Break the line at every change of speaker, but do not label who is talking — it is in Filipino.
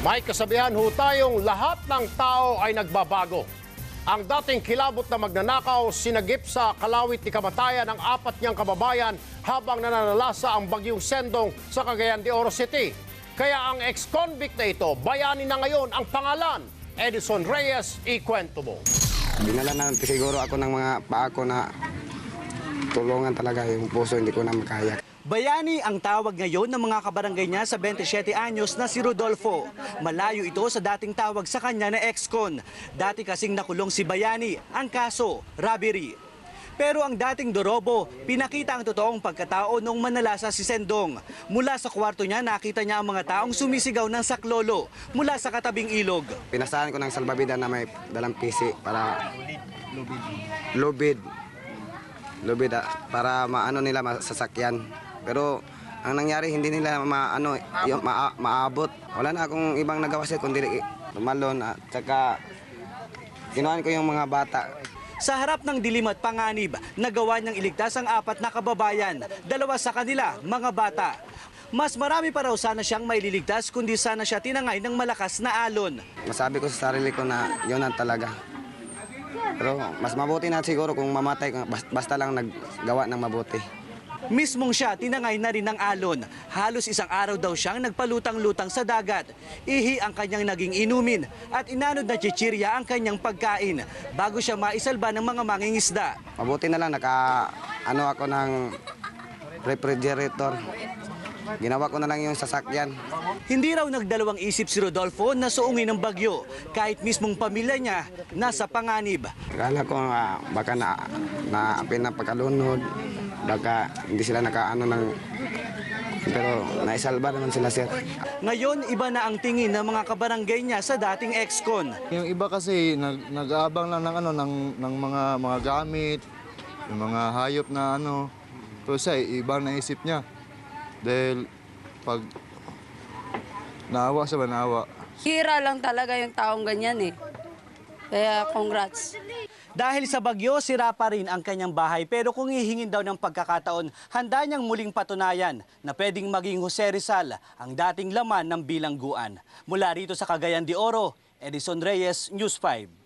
May kasabihan ho tayong lahat ng tao ay nagbabago. Ang dating kilabot na magnanakaw sinagip sa kalawit ni kamatayan ng 4 niyang kababayan habang nananalasa ang bagyong Sendong sa Cagayan de Oro City. Kaya ang ex-convict na ito, bayani na ngayon ang pangalan. Edison Reyes, ikwento mo.
Dinala na siguro ako ng mga paa ko na tulungan talaga yung puso, hindi ko na makaya.
Bayani ang tawag ngayon ng mga kabarangay niya sa 27 anyos na si Rodolfo. Malayo ito sa dating tawag sa kanya na ex-con. Dati kasing nakulong si Bayani, ang kaso, robbery. Pero ang dating Dorobo, pinakita ang totoong pagkatao nung manalasa si Sendong. Mula sa kwarto niya, nakita niya ang mga taong sumisigaw ng saklolo mula sa katabing ilog.
Pinasahan ko ng salbabida na may dalang PC para lubid para maano nila masasakyan. Pero ang nangyari hindi nila maabot. Wala na akong ibang nagawa sir kundi tumalon at saka kinuhaan ko yung mga bata.
Sa harap ng dilim at panganib, nagawa niyang iligtas ang 4 na kababayan, 2 sa kanila, mga bata. Mas marami pa raw sana siyang maililigtas kundi sana siya tinangay ng malakas na alon.
Masabi ko sa sarili ko na yun ang talaga. Pero mas mabuti na siguro kung mamatay, basta lang naggawa ng mabuti.
Mismong siya tinangay na rin ng alon. Halos 1 araw daw siyang nagpalutang-lutang sa dagat. Ihi ang kanyang naging inumin at inanod na chichirya ang kanyang pagkain bago siya maisalba ng mga mangingisda.
Mabuti na lang ako ng refrigerator. Ginawa ko na lang yung sasakyan.
Hindi raw nagdalawang isip si Rodolfo na suungin ng bagyo kahit mismong pamilya niya nasa panganib.
Akala ko baka na pinapagkalunod, baka hindi sila pero naisalba naman sila sir.
Ngayon, iba na ang tingin ng mga kabarangay niya sa dating ex-con.
Yung iba kasi nag-aabang lang ng mga gamit, yung mga hayop na to siya ibang naisip niya. Dahil pag naawa siya, naawa.
Hira lang talaga yung taong ganyan eh. Kaya congrats.
Dahil sa bagyo, sira pa rin ang kanyang bahay. Pero kung hihingin daw ng pagkakataon, handa niyang muling patunayan na pwedeng maging Jose Rizal ang dating laman ng bilangguan. Mula rito sa Cagayan de Oro, Edison Reyes, News 5.